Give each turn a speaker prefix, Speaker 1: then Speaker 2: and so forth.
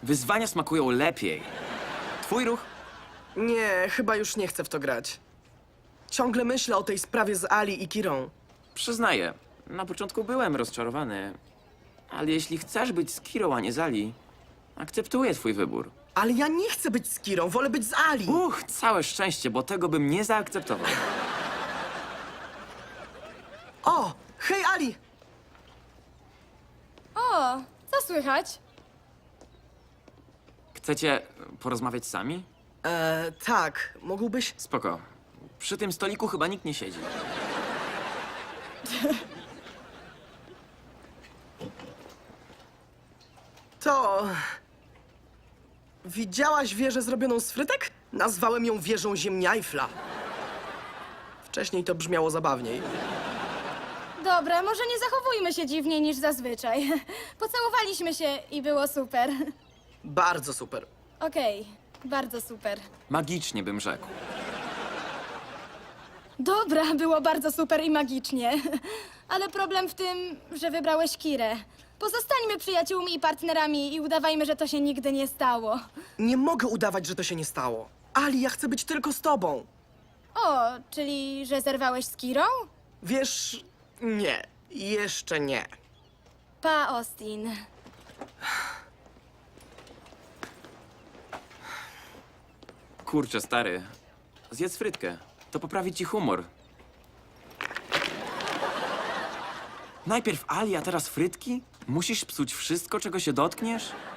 Speaker 1: Wyzwania smakują lepiej. Twój ruch?
Speaker 2: Nie, chyba już nie chcę w to grać. Ciągle myślę o tej sprawie z Ali i Kirą.
Speaker 1: Przyznaję, na początku byłem rozczarowany. Ale jeśli chcesz być z Kirą, a nie z Ali, akceptuję twój wybór.
Speaker 2: Ale ja nie chcę być z Kirą, wolę być z Ali.
Speaker 1: Całe szczęście, bo tego bym nie zaakceptował.
Speaker 2: O, hej Ali!
Speaker 3: O, co słychać?
Speaker 1: Chcecie porozmawiać sami?
Speaker 2: Tak, mógłbyś...
Speaker 1: Spoko. Przy tym stoliku chyba nikt nie siedzi.
Speaker 2: To... Widziałaś wieżę zrobioną z frytek? Nazwałem ją wieżą ziemniajfla. Wcześniej to brzmiało zabawniej.
Speaker 3: Dobra, może nie zachowujmy się dziwniej niż zazwyczaj. Pocałowaliśmy się i było super.
Speaker 2: Bardzo super.
Speaker 3: Okej, bardzo super.
Speaker 1: Magicznie bym rzekł.
Speaker 3: Dobra, było bardzo super i magicznie. Ale problem w tym, że wybrałeś Kirę. Pozostańmy przyjaciółmi i partnerami i udawajmy, że to się nigdy nie stało.
Speaker 2: Nie mogę udawać, że to się nie stało. Ali, ja chcę być tylko z tobą.
Speaker 3: O, czyli że zerwałeś z Kirą?
Speaker 2: Wiesz... Nie. Jeszcze nie.
Speaker 3: Pa, Austin.
Speaker 1: Kurczę, stary. Zjedz frytkę. To poprawi ci humor. Najpierw Ali, a teraz frytki? Musisz psuć wszystko, czego się dotkniesz?